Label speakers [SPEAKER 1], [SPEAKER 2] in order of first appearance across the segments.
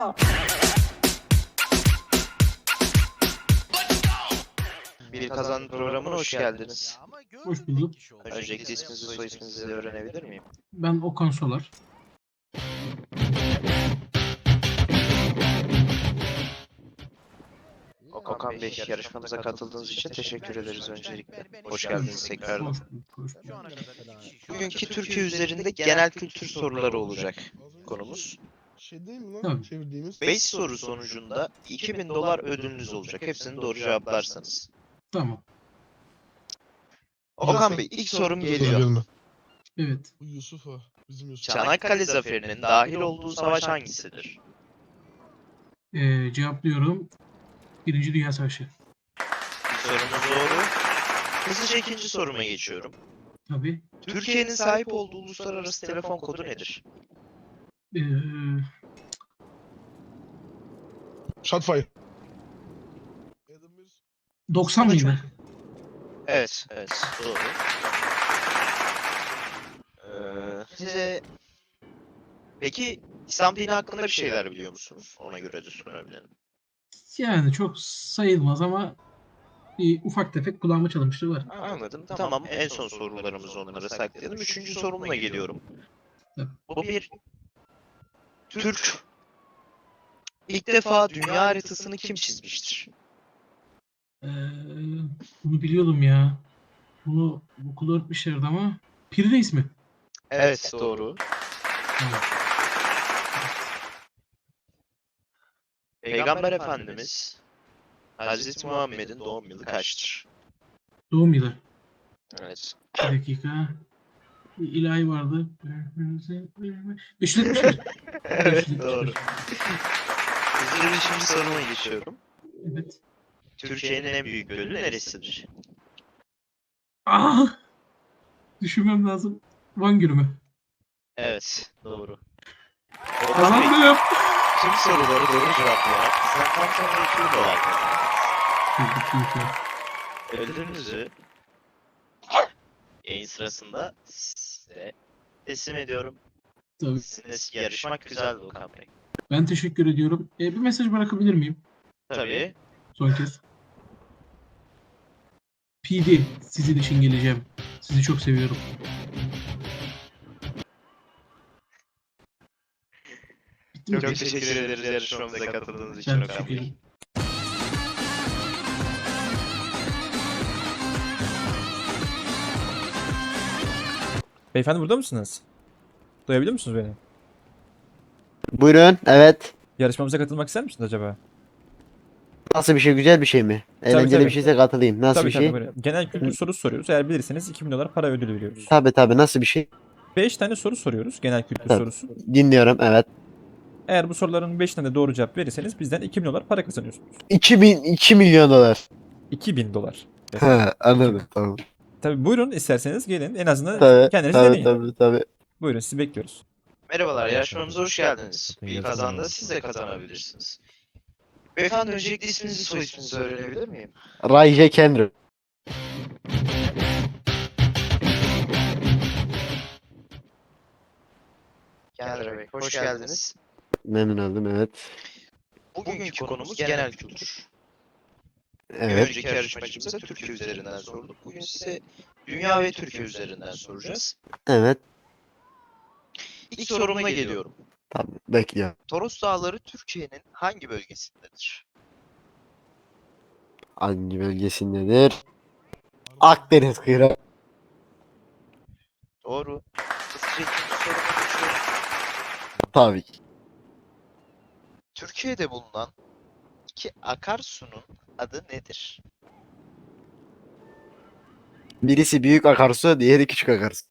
[SPEAKER 1] Bir Kazan programına hoş geldiniz.
[SPEAKER 2] Hoş bulduk.
[SPEAKER 1] Öncelikle isminizi, soy isminizi de öğrenebilir miyim?
[SPEAKER 2] Ben Okan Solar.
[SPEAKER 1] Okan Bey, yarışmamıza katıldığınız için teşekkür ederiz öncelikle. Hoş geldiniz tekrardan.
[SPEAKER 2] Hoş bulduk. Hoş bulduk.
[SPEAKER 1] Bugünkü Türkiye üzerinde genel kültür soruları olacak konumuz.
[SPEAKER 3] Şey değil mi lan
[SPEAKER 2] Tabii.
[SPEAKER 3] çevirdiğimiz?
[SPEAKER 1] 5 soru sonucunda 2000 dolar ödülünüz olacak. Hepsini doğru cevaplarsanız.
[SPEAKER 2] Tamam.
[SPEAKER 1] Okan Bey, ilk sorum
[SPEAKER 3] Dur,
[SPEAKER 1] geliyor.
[SPEAKER 3] gelme.
[SPEAKER 2] Evet.
[SPEAKER 3] Bu Yusuf ha. Bizim Yusuf.
[SPEAKER 1] Çanakkale Zaferi'nin dahil olduğu savaş hangisidir?
[SPEAKER 2] Cevaplıyorum. Birinci Dünya Savaşı.
[SPEAKER 1] İlk sorumuz doğru. Hızlıca ikinci soruma geçiyorum.
[SPEAKER 2] Tabii.
[SPEAKER 1] Türkiye'nin sahip olduğu uluslararası telefon kodu nedir?
[SPEAKER 2] Ee,
[SPEAKER 3] Shotfire.
[SPEAKER 2] 90 mıydı?
[SPEAKER 1] Evet, doğru. Size peki İslam dini hakkında bir şeyler biliyor musunuz? Ona göre de sorabilirim.
[SPEAKER 2] Yani çok sayılmaz ama bir ufak tefek kulağıma çalınmıştı var.
[SPEAKER 1] Anladım. Tamam, en son sorularımızı onlara saklayalım. Üçüncü sorumla geliyorum.
[SPEAKER 2] Tabii.
[SPEAKER 1] Bu bir Türk. İlk defa dünya haritasını kim çizmiştir?
[SPEAKER 2] Ee, Bunu biliyordum ya. Bunu okulda öğretmişlerdi ama. Piri Reis mi?
[SPEAKER 1] Evet, doğru.
[SPEAKER 2] Tamam.
[SPEAKER 1] Peygamber Efendimiz Hazreti Muhammed'in doğum yılı kaçtır?
[SPEAKER 2] Doğum yılı.
[SPEAKER 1] Evet.
[SPEAKER 2] Bir dakika. Bir ilahi vardı. 571.
[SPEAKER 1] Evet,
[SPEAKER 2] 571.
[SPEAKER 1] doğru. Hızlıca beşinci soruma geçiyorum.
[SPEAKER 2] Evet.
[SPEAKER 1] Türkiye'nin en büyük gölü neresidir?
[SPEAKER 2] Ah! Düşünmem lazım. Van Gölü mü?
[SPEAKER 1] Evet, doğru. Okan Bey,
[SPEAKER 2] Kazandım.
[SPEAKER 1] tüm soruları doğru cevaplayarak sizden tam sonra 2 dolar kazandınız. Ödülünüzü yayın sırasında size teslim ediyorum.
[SPEAKER 2] Tabii.
[SPEAKER 1] Sizinle yarışmak güzeldi Okan Bey.
[SPEAKER 2] Ben teşekkür ediyorum. Bir mesaj bırakabilir miyim?
[SPEAKER 1] Tabii.
[SPEAKER 2] Son kez. PD, sizin için geleceğim. Sizi çok seviyorum. Bitti mi?
[SPEAKER 1] Çok teşekkür ederiz yarışmamıza katıldığınız için
[SPEAKER 2] Ben
[SPEAKER 1] Okan
[SPEAKER 2] teşekkür
[SPEAKER 1] Bey.
[SPEAKER 2] ederim.
[SPEAKER 4] Beyefendi burada mısınız? Duyabiliyor musunuz beni?
[SPEAKER 5] Buyurun, evet.
[SPEAKER 4] Yarışmamıza katılmak ister misiniz acaba?
[SPEAKER 5] Nasıl bir şey, güzel bir şey mi? Eğlenceli
[SPEAKER 4] tabii.
[SPEAKER 5] bir şeyse katılayım. Nasıl
[SPEAKER 4] Tabii
[SPEAKER 5] bir şey?
[SPEAKER 4] buyurun. Genel kültür sorusu soruyoruz. Eğer bilirseniz 2000 dolar para ödülü veriyoruz.
[SPEAKER 5] Tabii, nasıl bir şey?
[SPEAKER 4] 5 tane soru soruyoruz. Genel kültür
[SPEAKER 5] Tabii.
[SPEAKER 4] sorusu.
[SPEAKER 5] Dinliyorum, evet.
[SPEAKER 4] Eğer bu soruların 5 tane doğru cevap verirseniz bizden 2000 dolar para kazanıyorsunuz.
[SPEAKER 5] 2 milyon dolar.
[SPEAKER 4] 2000 dolar.
[SPEAKER 5] Ha, anladım, tamam.
[SPEAKER 4] Tabii buyurun isterseniz gelin. En azından
[SPEAKER 5] Tabii,
[SPEAKER 4] kendiniz deneyin.
[SPEAKER 5] tabii.
[SPEAKER 4] Buyurun sizi bekliyoruz.
[SPEAKER 1] Merhabalar, yarışmamıza hoş geldiniz. Bir kazanda siz de kazanabilirsiniz. Beyefendi, öncelikle isminizi, soy isminizi öğrenebilir miyim?
[SPEAKER 5] Ray J. Kendrick.
[SPEAKER 1] Kendra Bey, hoş geldiniz.
[SPEAKER 5] Memnun oldum, evet.
[SPEAKER 1] Bugünkü konumuz genel kültür. Bir
[SPEAKER 5] Evet,
[SPEAKER 1] önceki yarışmacımıza Türkiye üzerinden sorduk. Bugün size dünya ve Türkiye üzerinden soracağız.
[SPEAKER 5] evet.
[SPEAKER 1] İlk sorumla geliyorum.
[SPEAKER 5] Tamam, bekliyorum.
[SPEAKER 1] Toros Dağları Türkiye'nin hangi bölgesindedir?
[SPEAKER 5] Hangi bölgesindedir? Akdeniz kıyısı.
[SPEAKER 1] Doğru. Hızlıca ikinci soruma geçiyorum.
[SPEAKER 5] Tabii ki.
[SPEAKER 1] Türkiye'de bulunan iki akarsunun adı nedir?
[SPEAKER 5] Birisi büyük akarsu, diğeri küçük akarsu.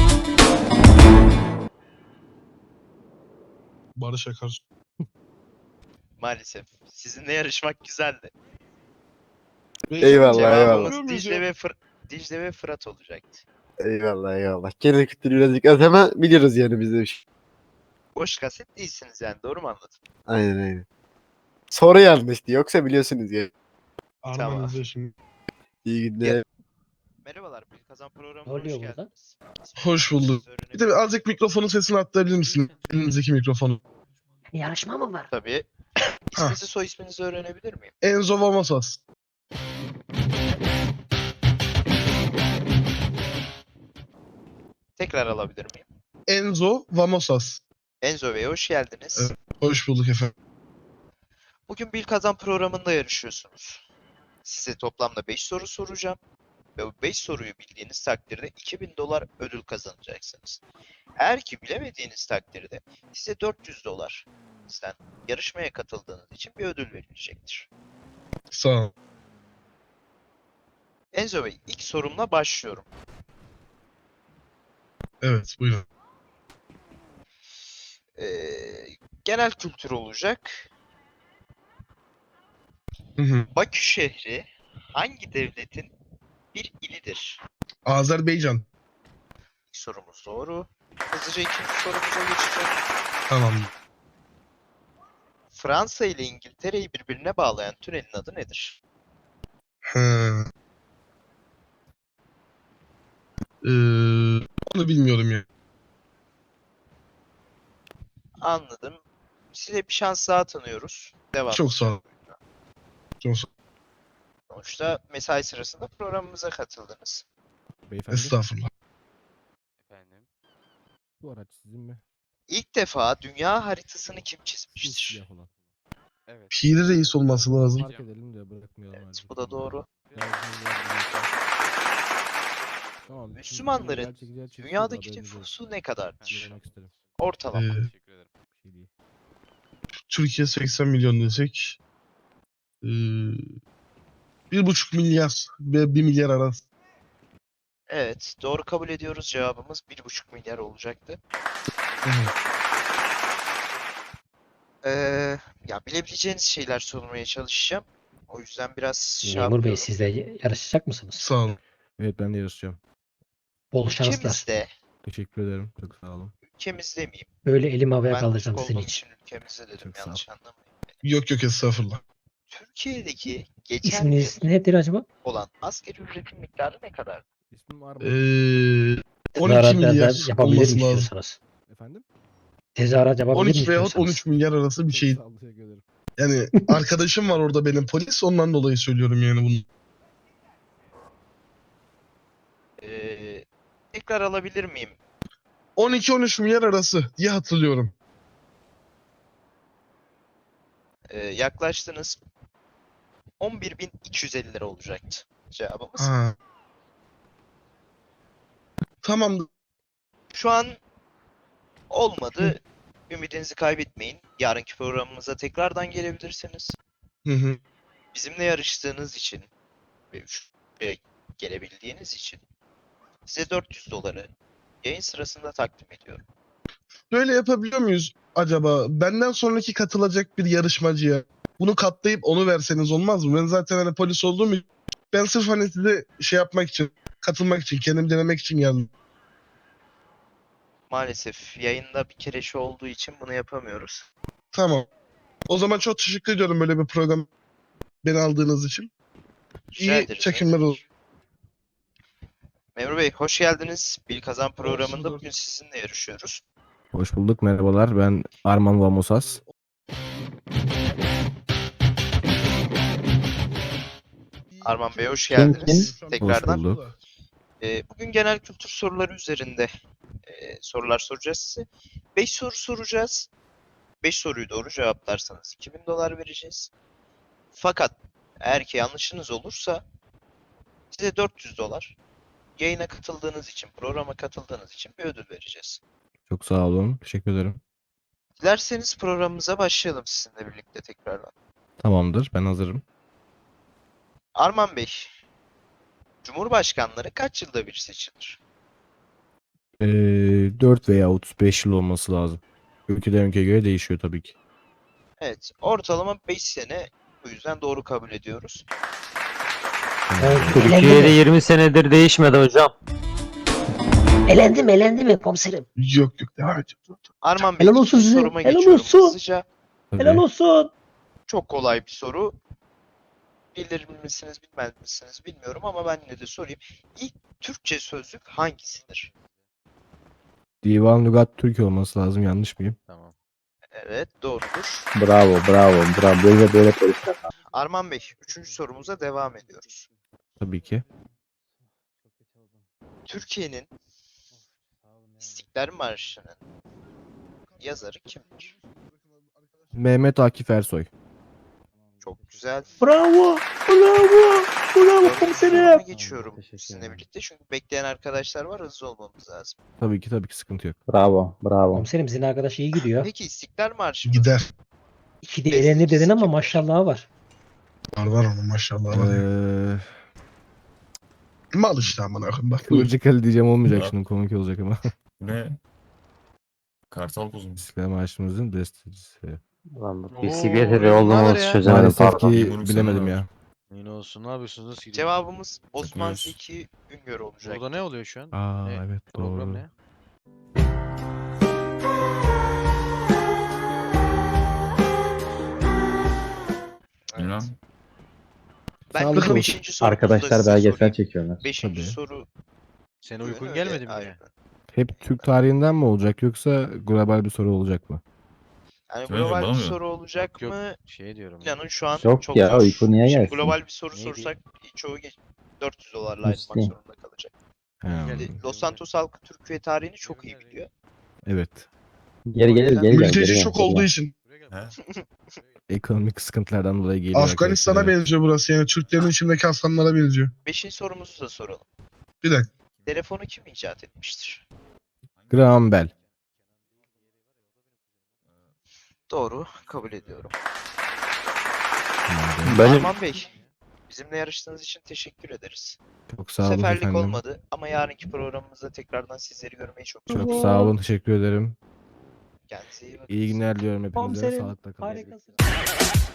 [SPEAKER 3] Barış Akarsu.
[SPEAKER 1] Maalesef. Sizinle yarışmak güzeldi.
[SPEAKER 5] Eyvallah,
[SPEAKER 1] Cevabımız
[SPEAKER 3] eyvallah.
[SPEAKER 1] Dicle ve Fırat olacaktı.
[SPEAKER 5] Eyvallah. Genel kültürü birazcık az ama biliyoruz yani biz de bir şey.
[SPEAKER 1] Boş kaset değilsiniz yani, doğru mu anladım?
[SPEAKER 5] Aynen. Soru yanlıştı, yoksa biliyorsunuz ya.
[SPEAKER 3] Armanızda şimdi.
[SPEAKER 5] İyi günler.
[SPEAKER 1] Merhabalar, bir kazan programına
[SPEAKER 6] Ne oluyor
[SPEAKER 1] hoş
[SPEAKER 6] burada?
[SPEAKER 1] geldiniz.
[SPEAKER 3] Hoş bulduk. Bir de azıcık mikrofonun sesini atlayabilir misin? Elinizdeki mikrofonu.
[SPEAKER 6] Yarışma mı var?
[SPEAKER 1] Tabii. İsminizi soy isminizi öğrenebilir miyim?
[SPEAKER 3] Enzo Vamosas.
[SPEAKER 1] Tekrar alabilir miyim?
[SPEAKER 3] Enzo Vamosas.
[SPEAKER 1] Enzo Bey hoş geldiniz.
[SPEAKER 3] Evet. Hoş bulduk efendim.
[SPEAKER 1] Bugün Bil Kazan programında yarışıyorsunuz. Size toplamda 5 soru soracağım. Ve bu 5 soruyu bildiğiniz takdirde 2000 dolar ödül kazanacaksınız. Eğer ki bilemediğiniz takdirde size 400 dolar sizden yarışmaya katıldığınız için bir ödül verilecektir.
[SPEAKER 3] Sağ ol.
[SPEAKER 1] Enzo Bey ilk sorumla başlıyorum.
[SPEAKER 3] Evet buyurun.
[SPEAKER 1] Genel kültür olacak.
[SPEAKER 3] Hı hı.
[SPEAKER 1] Bakü şehri hangi devletin bir ilidir?
[SPEAKER 3] Azerbaycan.
[SPEAKER 1] İlk sorumuz doğru. Hızlıca ikinci sorumuza geçeceğim.
[SPEAKER 3] Tamam.
[SPEAKER 1] Fransa ile İngiltere'yi birbirine bağlayan tünelin adı nedir?
[SPEAKER 3] He. Ee, Onu bilmiyorum ya.
[SPEAKER 1] Anladım. Size bir şans daha tanıyoruz. Devam.
[SPEAKER 3] Çok sağ ol. Çok sağ ol.
[SPEAKER 1] Sonuçta mesai sırasında programımıza katıldınız.
[SPEAKER 7] Beyefendi,
[SPEAKER 3] Estağfurullah.
[SPEAKER 7] efendim. Bu araç sizin mi?
[SPEAKER 1] İlk defa dünya haritasını kim
[SPEAKER 7] Şu
[SPEAKER 1] çizmiştir?
[SPEAKER 7] siyah olan. Evet.
[SPEAKER 3] Piri Reis olması lazım.
[SPEAKER 7] Fark edelim de bırakmayalım.
[SPEAKER 1] Evet,
[SPEAKER 7] artık.
[SPEAKER 1] bu da doğru.
[SPEAKER 7] Tamam. şimdi
[SPEAKER 1] Müslümanların
[SPEAKER 7] güzel çekeceğiz, çekeceğiz,
[SPEAKER 1] dünyadaki
[SPEAKER 7] haberiniz olsun.
[SPEAKER 1] nüfusu ne kadardır?
[SPEAKER 7] Söylemek isterim.
[SPEAKER 1] Ortalama.
[SPEAKER 7] Teşekkür ederim. Bir şey değil.
[SPEAKER 3] Türkiye 80 milyon desek. 1,5 milyar ve 1 milyar arası.
[SPEAKER 1] Evet, doğru kabul ediyoruz. Cevabımız 1,5 milyar olacaktı.
[SPEAKER 3] Hı hı.
[SPEAKER 1] Ya bilebileceğiniz şeyler sormaya çalışacağım. O yüzden biraz şey
[SPEAKER 6] Memur Bey
[SPEAKER 1] yapıyorum.
[SPEAKER 6] siz de yarışacak mısınız?
[SPEAKER 3] Sağ olun.
[SPEAKER 7] Evet, ben de yarışacağım.
[SPEAKER 6] Bol şanslar.
[SPEAKER 1] Ülkemizde,
[SPEAKER 7] Teşekkür ederim. Çok sağ olun.
[SPEAKER 1] ülkemizde miyim?
[SPEAKER 6] Böyle elimi havaya
[SPEAKER 1] Ben
[SPEAKER 6] kaldıracağım
[SPEAKER 1] Türk
[SPEAKER 6] sizin
[SPEAKER 1] olduğum
[SPEAKER 6] için.
[SPEAKER 1] için ülkemizde dedim,
[SPEAKER 7] Çok sağ ol.
[SPEAKER 1] yanlış anlamayın.
[SPEAKER 3] Yok yok estağfurullah.
[SPEAKER 1] Türkiye'deki geçen
[SPEAKER 6] İsminiz
[SPEAKER 1] yıl
[SPEAKER 6] nedir acaba?
[SPEAKER 1] olan asgari ücretin miktarı ne kadar?
[SPEAKER 7] İsmim Arman.
[SPEAKER 3] 12
[SPEAKER 6] Tezahürat
[SPEAKER 3] milyar
[SPEAKER 6] yapabilirim
[SPEAKER 3] olması lazım.
[SPEAKER 6] istiyorsanız.
[SPEAKER 7] Efendim?
[SPEAKER 6] Tezahürat yapabilirim
[SPEAKER 3] 12 veyahut
[SPEAKER 6] istiyorsanız.
[SPEAKER 3] 13 milyar arası bir
[SPEAKER 7] Çok
[SPEAKER 3] şey.
[SPEAKER 7] sağ olun. Teşekkür ederim.
[SPEAKER 3] Yani arkadaşım var orada benim polis ondan dolayı söylüyorum yani bunu.
[SPEAKER 1] Tekrar alabilir miyim?
[SPEAKER 3] 12-13 milyar arası diye hatırlıyorum.
[SPEAKER 1] Yaklaştınız. 11.250 lira olacaktı cevabımız.
[SPEAKER 3] Ha. Tamam.
[SPEAKER 1] Şu an olmadı. Ümidinizi kaybetmeyin. Yarınki programımıza tekrardan gelebilirsiniz.
[SPEAKER 3] Hı hı.
[SPEAKER 1] Bizimle yarıştığınız için ve şuraya gelebildiğiniz için size 400 doları yayın sırasında takdim ediyorum.
[SPEAKER 3] Böyle yapabiliyor muyuz acaba? Benden sonraki katılacak bir yarışmacıya bunu katlayıp onu verseniz olmaz mı? Ben zaten hani polis olduğum için ben sırf hani size şey yapmak için, katılmak için, kendim denemek için geldim.
[SPEAKER 1] Maalesef yayında bir kere şu olduğu için bunu yapamıyoruz.
[SPEAKER 3] Tamam. O zaman çok teşekkür ediyorum böyle bir program beni aldığınız için.
[SPEAKER 1] Rica
[SPEAKER 3] İyi
[SPEAKER 1] ederiz,
[SPEAKER 3] çekimler
[SPEAKER 1] ne
[SPEAKER 3] olsun.
[SPEAKER 1] demek. Memur Bey hoş geldiniz. Bil Kazan programında
[SPEAKER 3] bulduk.
[SPEAKER 1] bugün sizinle yarışıyoruz.
[SPEAKER 7] Hoş bulduk. Merhabalar. Ben Arman Vamosas.
[SPEAKER 1] Arman Bey hoş geldiniz. Tekrardan.
[SPEAKER 7] Hoş bulduk.
[SPEAKER 1] Bugün genel kültür soruları üzerinde sorular soracağız size. 5 soru soracağız. 5 soruyu doğru cevaplarsanız 2000 dolar vereceğiz. Fakat eğer ki yanlışınız olursa size 400 dolar yayına katıldığınız için, programa katıldığınız için bir ödül vereceğiz.
[SPEAKER 7] Çok sağ olun. Teşekkür ederim.
[SPEAKER 1] Dilerseniz programımıza başlayalım sizinle birlikte tekrardan.
[SPEAKER 7] Tamamdır. Ben hazırım.
[SPEAKER 1] Arman Bey, Cumhurbaşkanları kaç yılda bir seçilir?
[SPEAKER 7] 4 veya 35 yıl olması lazım. Ülkeden ülkeye göre değişiyor tabii ki.
[SPEAKER 1] Evet, ortalama 5 sene, bu yüzden doğru kabul ediyoruz.
[SPEAKER 8] Türkiye'de 20 senedir değişmedi hocam.
[SPEAKER 6] Elendi mi komiserim?
[SPEAKER 3] Yok yok devam et.
[SPEAKER 1] Arman Bey,
[SPEAKER 6] Helal olsun
[SPEAKER 1] ikinci
[SPEAKER 6] size,
[SPEAKER 1] soruma
[SPEAKER 6] helal
[SPEAKER 1] geçiyorum
[SPEAKER 6] olsun.
[SPEAKER 1] hızlıca.
[SPEAKER 7] Tabii.
[SPEAKER 6] Helal olsun.
[SPEAKER 1] Çok kolay bir soru. Bilir misiniz, bilmez misiniz bilmiyorum ama ben yine de sorayım. İlk Türkçe sözlük hangisidir?
[SPEAKER 7] Divan Lügat Türk olması lazım. Yanlış mıyım?
[SPEAKER 8] Tamam.
[SPEAKER 1] Evet, doğrudur.
[SPEAKER 5] Bravo, bravo, bravo. Böyle polisler.
[SPEAKER 1] Arman Bey, 3. sorumuza devam ediyoruz.
[SPEAKER 7] Tabii ki.
[SPEAKER 1] Türkiye'nin İstiklal Marşı'nın yazarı kimdir?
[SPEAKER 7] Mehmet Akif Ersoy.
[SPEAKER 1] Çok güzel.
[SPEAKER 6] Bravo. Bravo. Bravo
[SPEAKER 1] Dördüncü soruma geçiyorum sizinle birlikte. Çünkü bekleyen arkadaşlar var, hızlı olmamız lazım.
[SPEAKER 7] Tabii ki sıkıntı yok.
[SPEAKER 5] Bravo, bravo.
[SPEAKER 6] Komiserim sizin arkadaş iyi gidiyor.
[SPEAKER 1] Peki İstiklal Marşı
[SPEAKER 3] Gider.
[SPEAKER 6] İki de eğlenir dedin ama
[SPEAKER 1] kimdir?
[SPEAKER 6] maşallahı var.
[SPEAKER 3] Var onun maşallah var ya. Mal işte amına koyayım bak. Buyur.
[SPEAKER 7] Kıvırcık Ali diyeceğim olmayacak
[SPEAKER 9] Ya.
[SPEAKER 7] şimdi, komik olacak ama.
[SPEAKER 9] Ne? Kartal kuzu.
[SPEAKER 7] İstiklal Marşımızın bestecisi.
[SPEAKER 5] Lan bu
[SPEAKER 10] Oo,
[SPEAKER 5] PCB'ye
[SPEAKER 10] ne
[SPEAKER 5] olduğumu
[SPEAKER 10] haber ya?
[SPEAKER 5] çözemedim
[SPEAKER 7] Maalesef
[SPEAKER 5] pardon.
[SPEAKER 7] ki
[SPEAKER 9] Yumruk
[SPEAKER 7] bilemedim
[SPEAKER 9] sana
[SPEAKER 7] ya.
[SPEAKER 10] Yine olsun. Ne yapıyorsunuz? Nasıl gidiyor?
[SPEAKER 1] Cevabımız Osman
[SPEAKER 9] Takıyoruz.
[SPEAKER 1] Zeki Üngör olacak.
[SPEAKER 10] Burada ne oluyor şu an?
[SPEAKER 7] Aa
[SPEAKER 10] Ne?
[SPEAKER 7] evet
[SPEAKER 10] Program
[SPEAKER 7] doğru.
[SPEAKER 10] ne?
[SPEAKER 9] Bilmem.
[SPEAKER 1] Ben
[SPEAKER 7] Sağlık
[SPEAKER 1] de
[SPEAKER 7] olsun.
[SPEAKER 1] 5. sorumuzu
[SPEAKER 5] Arkadaşlar
[SPEAKER 1] da size
[SPEAKER 5] belgesel
[SPEAKER 1] sorayım.
[SPEAKER 5] çekiyorlar.
[SPEAKER 1] 5.
[SPEAKER 7] Tabii.
[SPEAKER 1] soru.
[SPEAKER 10] Senin uykun
[SPEAKER 1] Öyle,
[SPEAKER 10] gelmedi mi
[SPEAKER 1] aynen.
[SPEAKER 10] yine?
[SPEAKER 7] Hep Türk tarihinden mi olacak yoksa global bir soru olacak mı?
[SPEAKER 1] Yani
[SPEAKER 9] Söyle,
[SPEAKER 1] global
[SPEAKER 9] bana
[SPEAKER 1] bir
[SPEAKER 9] mı?
[SPEAKER 1] soru olacak
[SPEAKER 10] Yok.
[SPEAKER 1] mı?
[SPEAKER 10] Şey diyorum.
[SPEAKER 1] İnanın şu an
[SPEAKER 5] Yok
[SPEAKER 1] çok
[SPEAKER 5] ya,
[SPEAKER 1] zor.
[SPEAKER 5] uyku niye
[SPEAKER 1] Şimdi
[SPEAKER 5] gelsin?
[SPEAKER 1] global bir soru
[SPEAKER 10] Neydi?
[SPEAKER 1] sorsak çoğu 400 dolarla ayrılmak
[SPEAKER 5] Müslim.
[SPEAKER 1] zorunda kalacak.
[SPEAKER 7] Ha,
[SPEAKER 1] Şimdi Los Santos halkı Türkiye tarihini çok iyi biliyor.
[SPEAKER 7] evet.
[SPEAKER 5] Geri gelir, geri gel.
[SPEAKER 3] Mülteci çok olduğu için.
[SPEAKER 9] He?
[SPEAKER 7] Ekonomik sıkıntılardan dolayı geliyor
[SPEAKER 3] Afganistan'a
[SPEAKER 7] arkadaşlar, evet.
[SPEAKER 3] benziyor burası yani. Türklerin içindeki aslanlara benziyor.
[SPEAKER 1] 5. sorumuzu da soralım.
[SPEAKER 3] Bir dakika.
[SPEAKER 1] Telefonu kim icat etmiştir?
[SPEAKER 7] Graham Bell.
[SPEAKER 1] Doğru, kabul ediyorum.
[SPEAKER 5] Benim
[SPEAKER 1] Arman Bey, bizimle yarıştığınız için teşekkür ederiz.
[SPEAKER 7] Çok
[SPEAKER 1] Bu
[SPEAKER 7] sağ olun
[SPEAKER 1] seferlik
[SPEAKER 7] efendim.
[SPEAKER 1] olmadı ama yarınki programımızda tekrardan sizleri görmeyi çok
[SPEAKER 7] Çok
[SPEAKER 1] istiyorum.
[SPEAKER 7] sağ olun, teşekkür ederim.
[SPEAKER 1] Kendinize iyi bakın.
[SPEAKER 7] İyi günler diliyorum hepinize.
[SPEAKER 6] Komiserim
[SPEAKER 7] Sağlıkla kalın.
[SPEAKER 6] harikasın.